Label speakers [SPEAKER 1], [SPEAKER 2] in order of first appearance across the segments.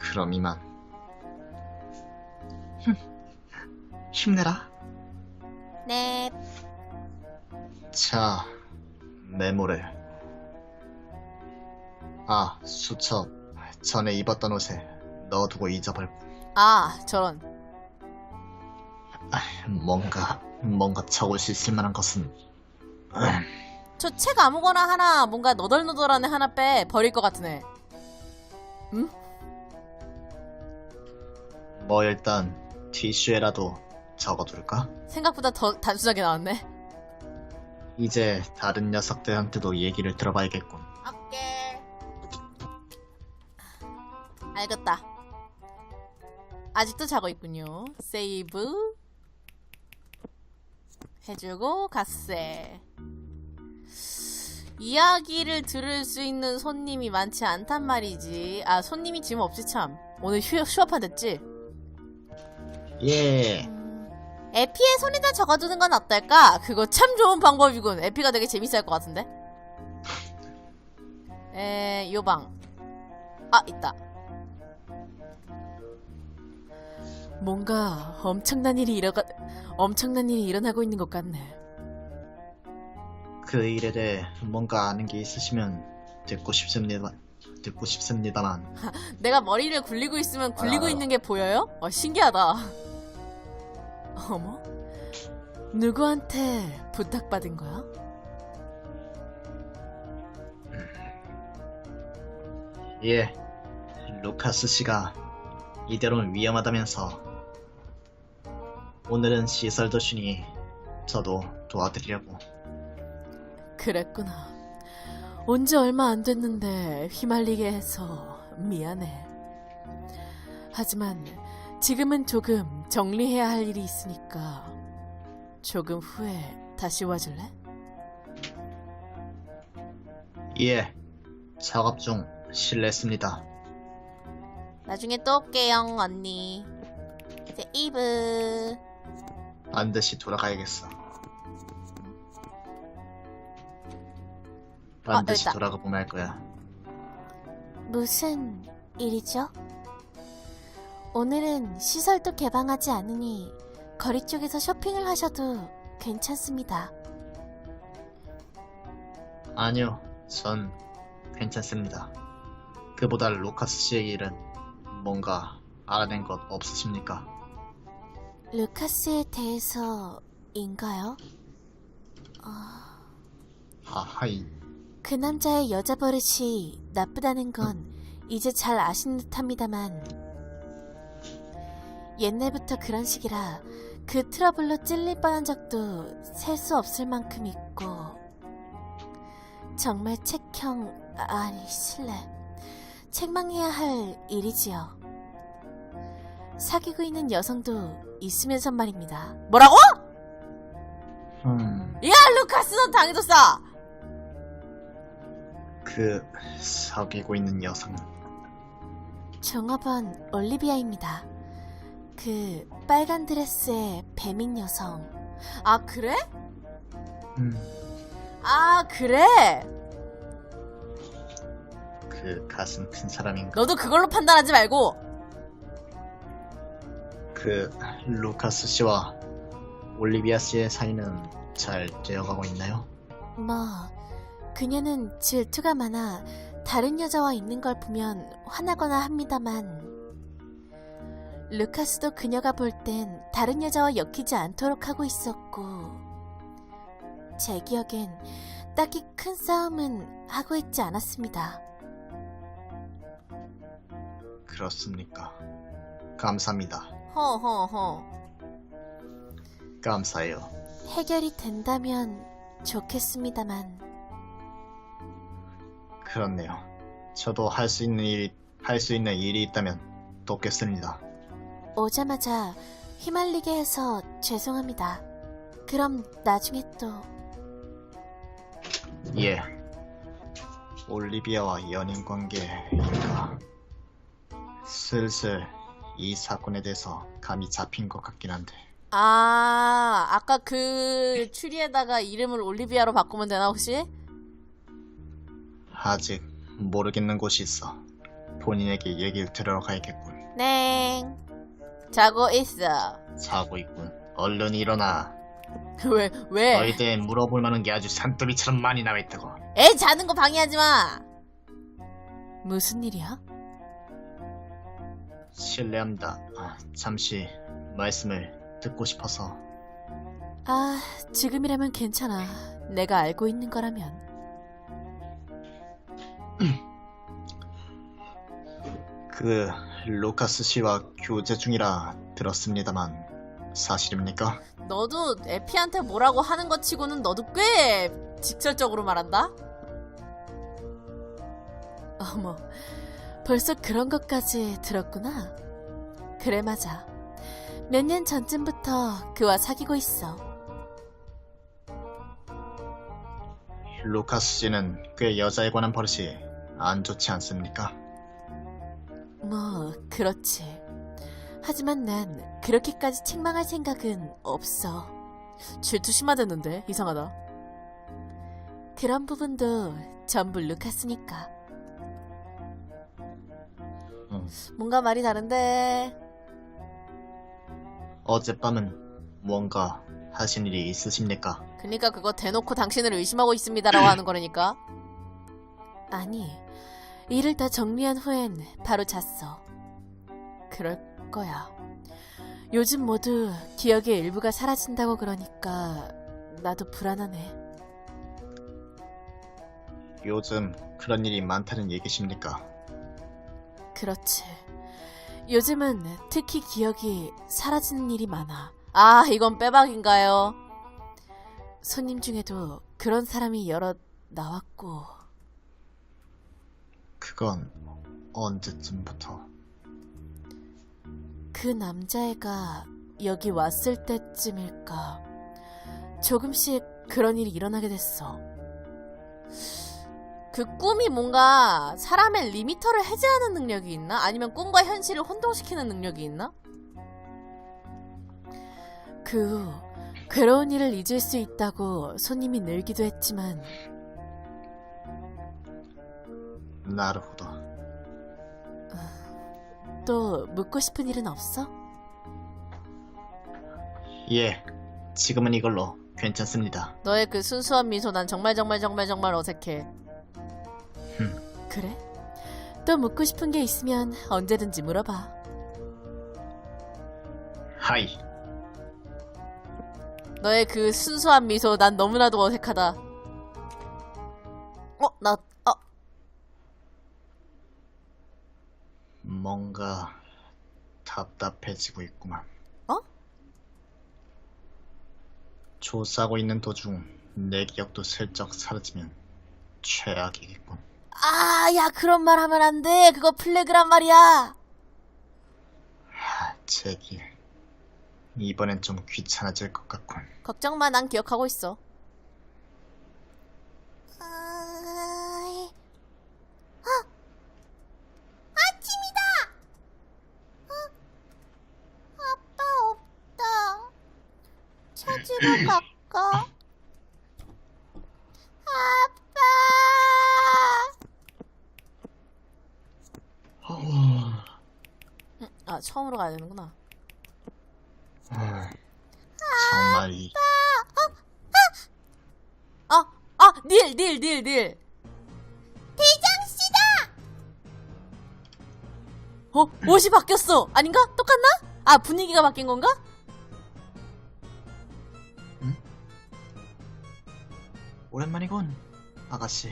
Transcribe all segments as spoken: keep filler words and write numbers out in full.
[SPEAKER 1] 그럼 이만. 힘내라.
[SPEAKER 2] 네.
[SPEAKER 1] 자, 메모를. 아, 수첩. 전에 입었던 옷에 넣어두고 잊어버려.
[SPEAKER 2] 아, 저런.
[SPEAKER 1] 뭔가, 뭔가 적을 수 있을 만한 것은.
[SPEAKER 2] 저 책 아무거나 하나 뭔가 너덜너덜한 애 하나 빼 버릴 것 같은 애. 응?
[SPEAKER 1] 뭐 일단 티슈에라도 적어둘까?
[SPEAKER 2] 생각보다 더 단순하게 나왔네.
[SPEAKER 1] 이제 다른 녀석들한테도 얘기를 들어봐야겠군.
[SPEAKER 2] 오케이. 알겠다. 아직도 자고 있군요. 세이브 해주고 갓세. 이야기를 들을 수 있는 손님이 많지 않단 말이지. 아, 손님이 지금 없지 참. 오늘 휴, 휴업한 됐지?
[SPEAKER 1] 예.
[SPEAKER 2] 음, 에피에 손에다 적어두는 건 어떨까? 그거 참 좋은 방법이군. 에피가 되게 재밌을 것 같은데? 에, 요방. 아, 있다. 뭔가 엄청난 일이 일어가, 엄청난 일이 일어나고 있는 것 같네.
[SPEAKER 1] 그 일에 대해 뭔가 아는 게 있으시면 듣고 싶습니다. 듣고 싶습니다만.
[SPEAKER 2] 내가 머리를 굴리고 있으면 굴리고
[SPEAKER 1] 알아요.
[SPEAKER 2] 있는 게 보여요? 어, 신기하다. 어머? 누구한테 부탁받은 거야?
[SPEAKER 1] 예. 루카스 씨가 이대로는 위험하다면서 오늘은 시설도 쉬니 저도 도와드리려고.
[SPEAKER 2] 그랬구나. 온 지 얼마 안 됐는데 휘말리게 해서 미안해. 하지만 지금은 조금 정리해야 할 일이 있으니까 조금 후에 다시 와줄래?
[SPEAKER 1] 예. 작업 중 실례했습니다.
[SPEAKER 2] 나중에 또 올게요, 언니. 세이브.
[SPEAKER 1] 반드시 돌아가야겠어.
[SPEAKER 2] 아,
[SPEAKER 1] 반드시
[SPEAKER 2] 됐다.
[SPEAKER 1] 돌아가 보면 할 거야.
[SPEAKER 3] 무슨 일이죠? 오늘은 시설도 개방하지 않으니 거리 쪽에서 쇼핑을 하셔도 괜찮습니다.
[SPEAKER 1] 아니요, 전 괜찮습니다. 그보다 루카스 씨의 일은 뭔가 알아낸 것 없으십니까?
[SPEAKER 3] 루카스에 대해서인가요?
[SPEAKER 1] 하하이.
[SPEAKER 3] 그 남자의 여자 버릇이 나쁘다는 건 이제 잘 아신 듯합니다만 옛날부터 그런 식이라 그 트러블로 찔릴 뻔한 적도 셀 수 없을 만큼 있고 정말 책형 아니 실례 책망해야 할 일이지요. 사귀고 있는 여성도 있으면서 말입니다.
[SPEAKER 2] 뭐라고?
[SPEAKER 1] 음,
[SPEAKER 2] 야, 루카스 넌 당해줬어!
[SPEAKER 1] 그 사귀고 있는 여성.
[SPEAKER 3] 종업원 올리비아입니다. 그 빨간 드레스의 배민 여성.
[SPEAKER 2] 아, 그래?
[SPEAKER 1] 음,
[SPEAKER 2] 아, 그래?
[SPEAKER 1] 그 가슴 큰 사람인가?
[SPEAKER 2] 너도 그걸로 판단하지 말고.
[SPEAKER 1] 그 루카스 씨와 올리비아 씨의 사이는 잘 되어가고 있나요?
[SPEAKER 3] 뭐 그녀는 질투가 많아 다른 여자와 있는 걸 보면 화나거나 합니다만 루카스도 그녀가 볼 땐 다른 여자와 엮이지 않도록 하고 있었고 제 기억엔 딱히 큰 싸움은 하고 있지 않았습니다.
[SPEAKER 1] 그렇습니까? 감사합니다.
[SPEAKER 2] 허허허.
[SPEAKER 1] 감사해요.
[SPEAKER 3] 해결이 된다면 좋겠습니다만
[SPEAKER 1] 그렇네요. 저도 할 수 있는 일이 할 수 있는 일이 있다면 돕겠습니다.
[SPEAKER 3] 오자마자 휘말리게 해서 죄송합니다. 그럼 나중에 또
[SPEAKER 1] 예. 올리비아와 연인 관계인가? 슬슬 이 사건에 대해서 감이 잡힌 것 같긴 한데.
[SPEAKER 2] 아, 아까 그 추리에다가 이름을 올리비아로 바꾸면 되나 혹시?
[SPEAKER 1] 아직 모르겠는 곳이 있어. 본인에게 얘기를 들으러 가야겠군.
[SPEAKER 2] 네. 자고 있어.
[SPEAKER 1] 자고 있군. 얼른 일어나.
[SPEAKER 2] 왜, 왜?
[SPEAKER 1] 너에 대해 물어볼 만한 게 아주 산더미처럼 많이 나와있다고.
[SPEAKER 2] 애 자는 거 방해하지 마. 무슨 일이야?
[SPEAKER 1] 실례합니다. 아, 잠시 말씀을 듣고 싶어서.
[SPEAKER 2] 아, 지금이라면 괜찮아. 내가 알고 있는 거라면.
[SPEAKER 1] 그 루카스 씨와 교제 중이라 들었습니다만 사실입니까?
[SPEAKER 2] 너도 에피한테 뭐라고 하는 것 치고는 너도 꽤 직설적으로 말한다? 어머, 벌써 그런 것까지 들었구나. 그래, 맞아. 몇 년 전쯤부터 그와 사귀고 있어.
[SPEAKER 1] 루카스 씨는 꽤 여자에 관한 버릇이 안 좋지 않습니까?
[SPEAKER 2] 뭐, 그렇지. 하지만 난 그렇게까지 책망할 생각은 없어. 질투 심하댔는데, 이상하다. 그런 부분도 전부 루카스니까.
[SPEAKER 1] 응.
[SPEAKER 2] 뭔가 말이 다른데.
[SPEAKER 1] 어젯밤은 무언가 하신 일이 있으십니까?
[SPEAKER 2] 그니까 그거 대놓고 당신을 의심하고 있습니다라고 하는 거라니까. 아니, 일을 다 정리한 후엔 바로 잤어. 그럴 거야. 요즘 모두 기억의 일부가 사라진다고 그러니까 나도 불안하네.
[SPEAKER 1] 요즘 그런 일이 많다는 얘기십니까?
[SPEAKER 2] 그렇지. 요즘은 특히 기억이 사라지는 일이 많아. 아, 이건 빼박인가요? 손님 중에도 그런 사람이 여럿 나왔고.
[SPEAKER 1] 그건 언제쯤부터?
[SPEAKER 2] 그 남자애가 여기 왔을 때쯤일까. 조금씩 그런 일이 일어나게 됐어. 그 꿈이 뭔가 사람의 리미터를 해제하는 능력이 있나? 아니면 꿈과 현실을 혼동시키는 능력이 있나? 그 후 괴로운 일을 잊을 수 있다고 손님이 늘기도 했지만.
[SPEAKER 1] 나르호도.
[SPEAKER 2] 또 묻고 싶은 일은 없어?
[SPEAKER 1] 예, 지금은 이걸로 괜찮습니다.
[SPEAKER 2] 너의 그 순수한 미소 난 정말 정말 정말 정말 어색해.
[SPEAKER 1] 흠.
[SPEAKER 2] 그래? 또 묻고 싶은 게 있으면 언제든지 물어봐.
[SPEAKER 1] 하이.
[SPEAKER 2] 너의 그 순수한 미소 난 너무나도 어색하다. 어? 나... 어?
[SPEAKER 1] 뭔가 답답해지고 있구만.
[SPEAKER 2] 어?
[SPEAKER 1] 조사하고 있는 도중 내 기억도 슬쩍 사라지면 최악이겠군.
[SPEAKER 2] 아, 야, 그런 말 하면 안 돼. 그거 플래그란 말이야.
[SPEAKER 1] 하, 제길. 이번엔 좀 귀찮아질 것 같군.
[SPEAKER 2] 걱정 마, 난 기억하고 있어.
[SPEAKER 3] 아이... 아! 아침이다! 어? 아빠 없다. 찾으러 갈까? 아빠!
[SPEAKER 1] 어...
[SPEAKER 2] 아, 처음으로 가야 되는구나.
[SPEAKER 1] 아, 정말 이...
[SPEAKER 2] 아! 아! 닐! 닐! 닐! 닐!
[SPEAKER 3] 대장씨다!
[SPEAKER 2] 어? 옷이 바뀌었어! 아닌가? 똑같나? 아, 분위기가 바뀐 건가?
[SPEAKER 1] 응? 오랜만이군, 아가씨.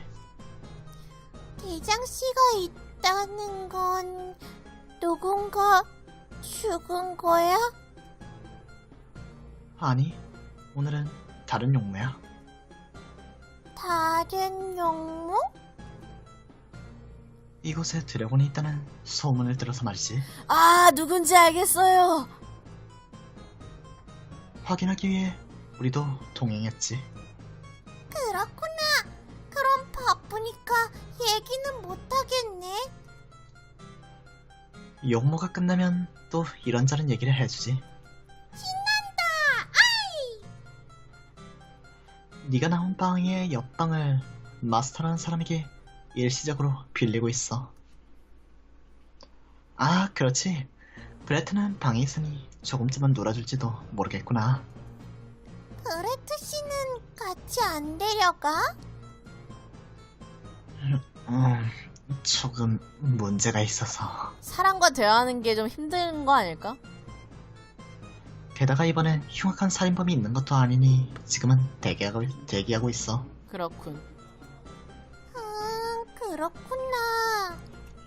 [SPEAKER 3] 대장씨가 있다는 건 누군가 죽은 거야?
[SPEAKER 1] 아니, 오늘은 다른 용무야.
[SPEAKER 3] 다른 용무?
[SPEAKER 1] 이곳에 드래곤이 있다는 소문을 들어서 말이지.
[SPEAKER 2] 아, 누군지 알겠어요.
[SPEAKER 1] 확인하기 위해 우리도 동행했지.
[SPEAKER 3] 그렇구나. 그럼 바쁘니까 얘기는 못하겠네.
[SPEAKER 1] 용모가 끝나면 또 이런저런 얘기를 해주지.
[SPEAKER 3] 신난다. 아이!
[SPEAKER 1] 네가 나온 방의 옆방을 마스터라는 사람에게 일시적으로 빌리고 있어. 아, 그렇지. 브레트는 방에 있으니 조금쯤은 놀아줄지도 모르겠구나.
[SPEAKER 3] 브레트 씨는 같이 안 데려가?
[SPEAKER 1] 음, 조금 문제가 있어서.
[SPEAKER 2] 사람과 대화하는 게 좀 힘든 거 아닐까?
[SPEAKER 1] 게다가 이번엔 흉악한 살인범이 있는 것도 아니니 지금은 대기하고, 대기하고 있어.
[SPEAKER 2] 그렇군.
[SPEAKER 3] 음, 그렇구나.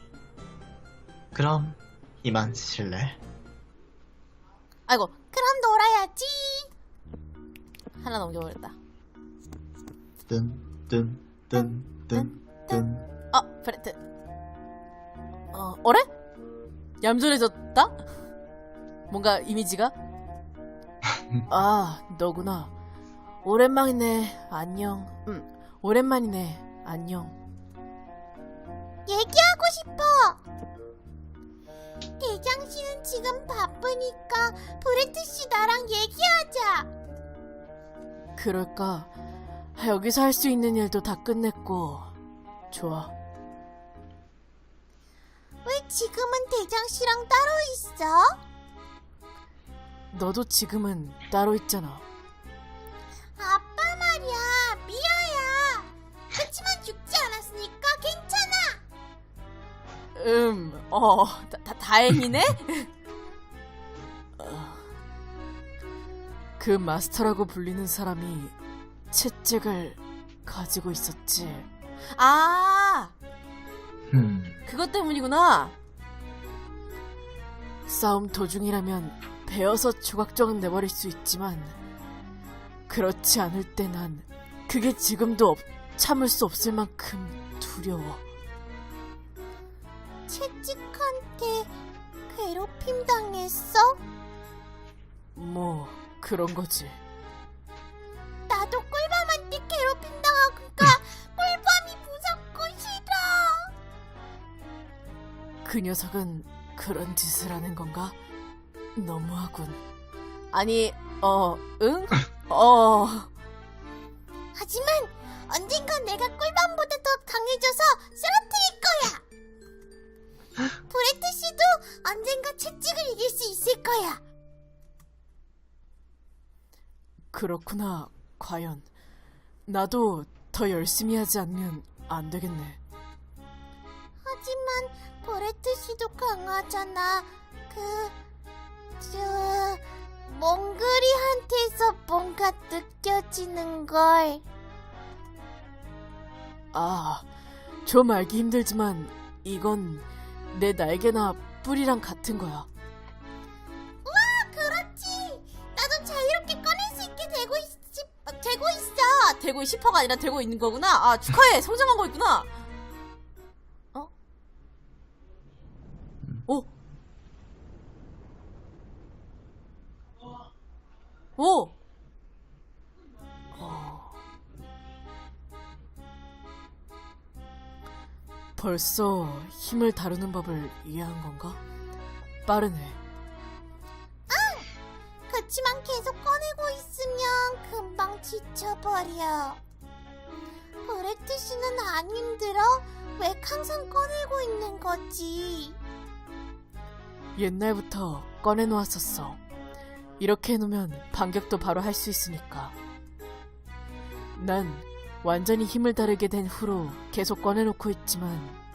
[SPEAKER 1] 그럼 이만 실례.
[SPEAKER 2] 아이고,
[SPEAKER 3] 그럼 놀아야지.
[SPEAKER 2] 하나 넘겨버렸다.
[SPEAKER 1] 뜬, 뜬, 뜬, 뜬, 뜬.
[SPEAKER 2] 아, 브레트. 어, 어래? 얌전해졌다? 뭔가 이미지가? 아, 너구나. 오랜만이네. 안녕. 응, 오랜만이네. 안녕.
[SPEAKER 3] 얘기하고 싶어. 대장 씨는 지금 바쁘니까 브레트 씨 나랑 얘기하자.
[SPEAKER 2] 그럴까? 여기서 할 수 있는 일도 다 끝냈고. 좋아.
[SPEAKER 3] 왜 지금은 대장 씨랑 따로 있어?
[SPEAKER 2] 너도 지금은 따로 있잖아.
[SPEAKER 3] 아빠 말이야. 미아야. 그치만 죽지 않았으니까 괜찮아.
[SPEAKER 2] 음, 어, 다, 다, 다행이네? 어, 그 마스터라고 불리는 사람이 채찍을 가지고 있었지. 아,
[SPEAKER 1] 음,
[SPEAKER 2] 그것 때문이구나. 싸움 도중이라면 베어서 조각조각 내버릴 수 있지만 그렇지 않을 때 난 그게 지금도 없, 참을 수 없을 만큼 두려워.
[SPEAKER 3] 채찍한테 괴롭힘 당했어?
[SPEAKER 2] 뭐 그런 거지.
[SPEAKER 3] 나도 꿀밤한테 괴롭힘 당하니까 꿀밤이 무섭고 싫어.
[SPEAKER 2] 그 녀석은 그런 짓을 하는 건가? 너무하군. 아니, 어, 응? 어.
[SPEAKER 3] 하지만 언젠간 내가 꿀밤보다 더 강해져서 쓰러뜨릴 거야. 브레트 씨도 언젠가 채찍을 이길 수 있을 거야.
[SPEAKER 2] 그렇구나. 과연 나도 더 열심히 하지 않으면 안 되겠네.
[SPEAKER 3] 하지만 브레트 씨도 강하잖아. 그... 저... 몽글이한테서 뭔가 느껴지는걸.
[SPEAKER 2] 아, 좀 알기 힘들지만 이건 내 날개나 뿔이랑 같은 거야.
[SPEAKER 3] 우와, 그렇지. 나도 자유롭게 꺼낼 수 있게 되고 있... 되고 있어.
[SPEAKER 2] 되고 싶어가 아니라 되고 있는 거구나. 아, 축하해. 성장한 거 있구나. 어? 오. 오. 어. 벌써 힘을 다루는 법을 이해한 건가? 빠르네.
[SPEAKER 3] 그치만 계속 꺼내고 있으면 금방 지쳐버려. 브레트 씨는 안 힘들어? 왜 항상 꺼내고 있는 거지?
[SPEAKER 2] 옛날부터 꺼내놓았었어. 이렇게 해놓으면 반격도 바로 할 수 있으니까. 난 완전히 힘을 다루게 된 후로 계속 꺼내놓고 있지만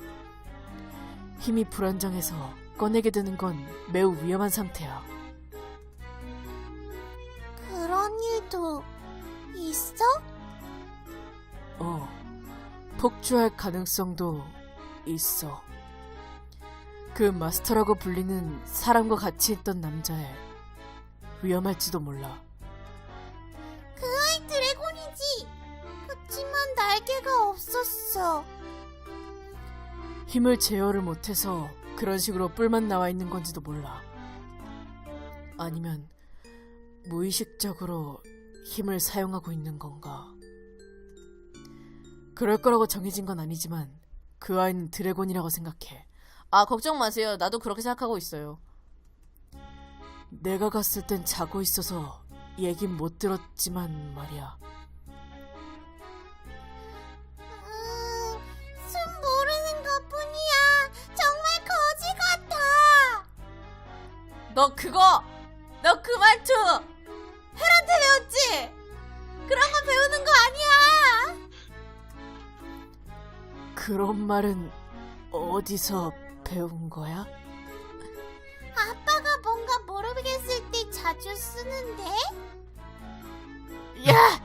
[SPEAKER 2] 힘이 불안정해서 꺼내게 되는 건 매우 위험한 상태야.
[SPEAKER 3] 그런 일도 있어?
[SPEAKER 2] 어, 폭주할 가능성도 있어. 그 마스터라고 불리는 사람과 같이 있던 남자애 위험할지도 몰라.
[SPEAKER 3] 그 아이 드래곤이지. 그치만 날개가 없었어.
[SPEAKER 2] 힘을 제어를 못해서 그런 식으로 뿔만 나와 있는 건지도 몰라. 아니면 무의식적으로 힘을 사용하고 있는 건가? 그럴 거라고 정해진 건 아니지만 그 아이는 드래곤이라고 생각해. 아, 걱정 마세요. 나도 그렇게 생각하고 있어요. 내가 갔을 땐 자고 있어서 얘긴 못 들었지만 말이야.
[SPEAKER 3] 음, 숨 모르는 것뿐이야. 정말 거지 같아.
[SPEAKER 2] 너 그거 너 그 말투 헬한테 배웠지? 그런 거 배우는 거 아니야. 그런 말은 어디서 배운 거야?
[SPEAKER 3] 아빠가 뭔가 모르겠을 때 자주 쓰는데?
[SPEAKER 2] 야!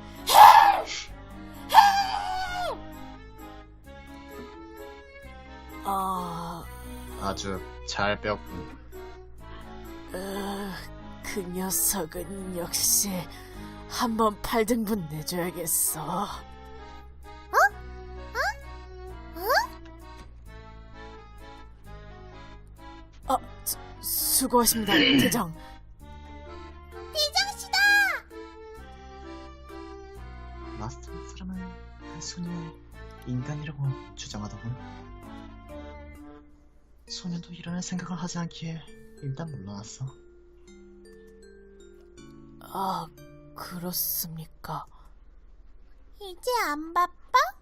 [SPEAKER 2] 아,
[SPEAKER 1] 아주 잘 배웠군.
[SPEAKER 2] 으, 그 녀석은 역시 한번 팔 등분 내줘야겠어. 어? 수, 수고하십니다, 대장.
[SPEAKER 3] 대장씨다!
[SPEAKER 1] 마스터 사람은 그 소녀의 인간이라고 주장하더군. 소녀도 일어날 생각을 하지 않기에 일단 물러났어.
[SPEAKER 2] 아, 그렇습니까?
[SPEAKER 3] 이제 안 바빠?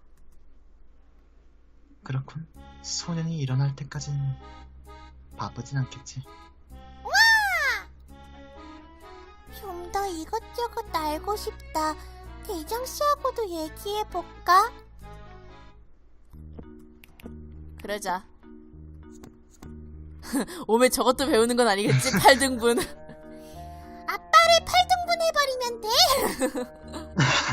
[SPEAKER 1] 그렇군. 소년이 일어날 때까진 바쁘진 않겠지.
[SPEAKER 3] 좀 더 이것저것 알고 싶다. 대장씨하고도 얘기해볼까?
[SPEAKER 2] 그러자. 오메 저것도 배우는 건 아니겠지? 팔 등분.
[SPEAKER 3] 아빠를 팔 등분 해버리면 돼?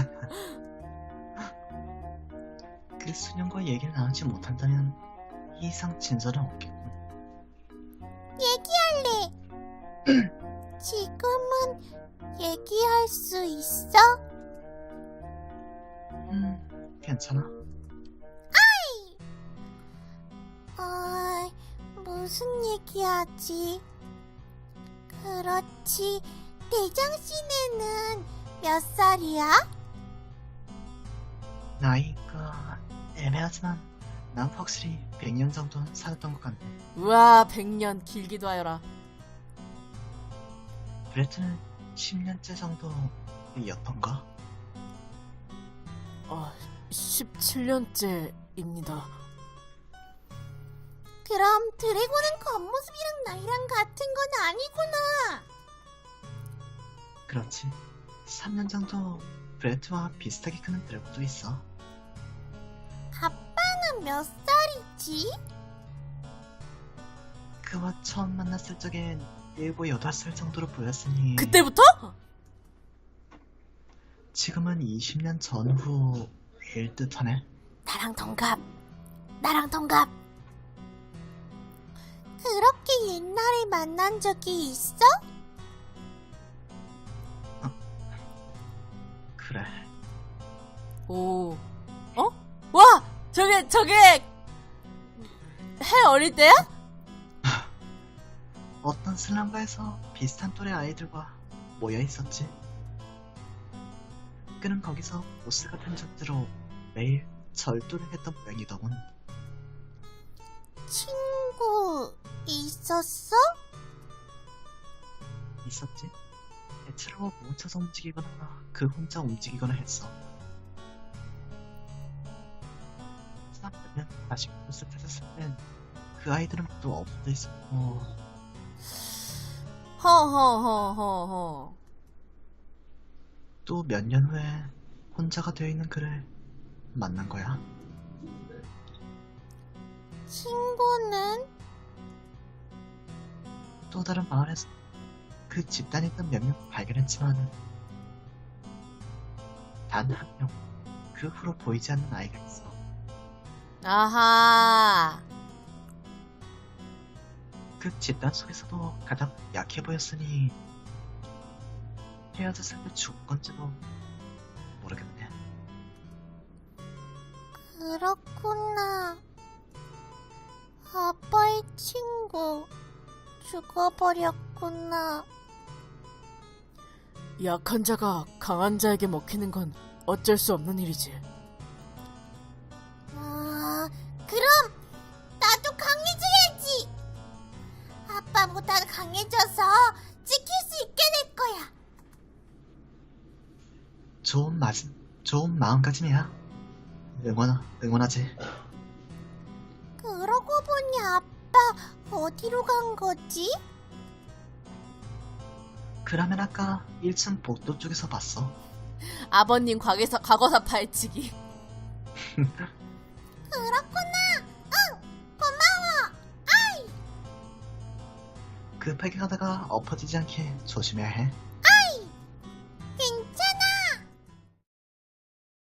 [SPEAKER 1] 그 소년과 얘기를 나누지 못한다면 이 이상 진전은 없겠군.
[SPEAKER 3] 얘기할래. 지금은 얘기할 수 있어?
[SPEAKER 1] 음, 괜찮아.
[SPEAKER 3] 어, 무슨 얘기하지? 그렇지. 대장씨네는 몇 살이야?
[SPEAKER 1] 나이가 애매하지만 난 확실히 백 년 정도는 살았던 것 같네.
[SPEAKER 2] 우와, 백 년 길기도 하여라.
[SPEAKER 1] 브레트는 십 년째 정도였던가?
[SPEAKER 2] 어, 십칠 년째입니다.
[SPEAKER 3] 그럼 드래곤은 겉모습이랑 나이랑 같은 건 아니구나.
[SPEAKER 1] 그렇지. 삼 년 정도 브레트와 비슷하게 크는 드래곤도 있어.
[SPEAKER 3] 아빠는 몇 살이지?
[SPEAKER 1] 그와 처음 만났을 적엔 일곱, 여덟 살 정도로 보였으니
[SPEAKER 2] 그때부터?
[SPEAKER 1] 지금은 이십 년 전후일 듯하네.
[SPEAKER 3] 나랑 동갑. 나랑 동갑. 그렇게 옛날에 만난 적이 있어?
[SPEAKER 1] 그래.
[SPEAKER 2] 오, 어? 와! 저게, 저게! 해 어릴 때야?
[SPEAKER 1] 어떤 슬럼가에서 비슷한 또래 아이들과 모여 있었지. 그는 거기서 보스 같은 존재로 매일 절도를 했던 모양이더군.
[SPEAKER 3] 친구 있었어?
[SPEAKER 1] 있었지. 대체로 뭉쳐서 움직이거나 그 혼자 움직이거나 했어. 사람들은 다시 보스 찾았을 땐 그 아이들은 모두 없어져 있었고
[SPEAKER 2] 허허허허허.
[SPEAKER 1] 또 몇 년 후에 혼자가 되어 있는 그를 만난 거야.
[SPEAKER 3] 친구는?
[SPEAKER 1] 또 다른 마을에서 그 집단에 있던 몇 명 발견했지만 단 한 명 그 후로 보이지 않는 아이가 있어.
[SPEAKER 2] 아하.
[SPEAKER 1] 그 집단 속에서도 가장 약해 보였으니 헤어졌을 때 죽은 건지도 모르겠네.
[SPEAKER 3] 그렇구나. 아빠의 친구 죽어버렸구나.
[SPEAKER 2] 약한 자가 강한 자에게 먹히는 건 어쩔 수 없는 일이지.
[SPEAKER 3] 아, 그럼 나도 강해져야지. 아빠보다 강해져서 지킬 수 있게 될 거야.
[SPEAKER 1] 좋은 마음, 좋은 마음가짐이야. 응원, 응원하지.
[SPEAKER 3] 그러고 보니 아빠 어디로 간 거지?
[SPEAKER 1] 그러면 아까 일 층 복도 쪽에서 봤어.
[SPEAKER 2] 아버님 과거사, 과거사 파헤치기.
[SPEAKER 1] 급하게 가다가 엎어지지 않게 조심해야 해.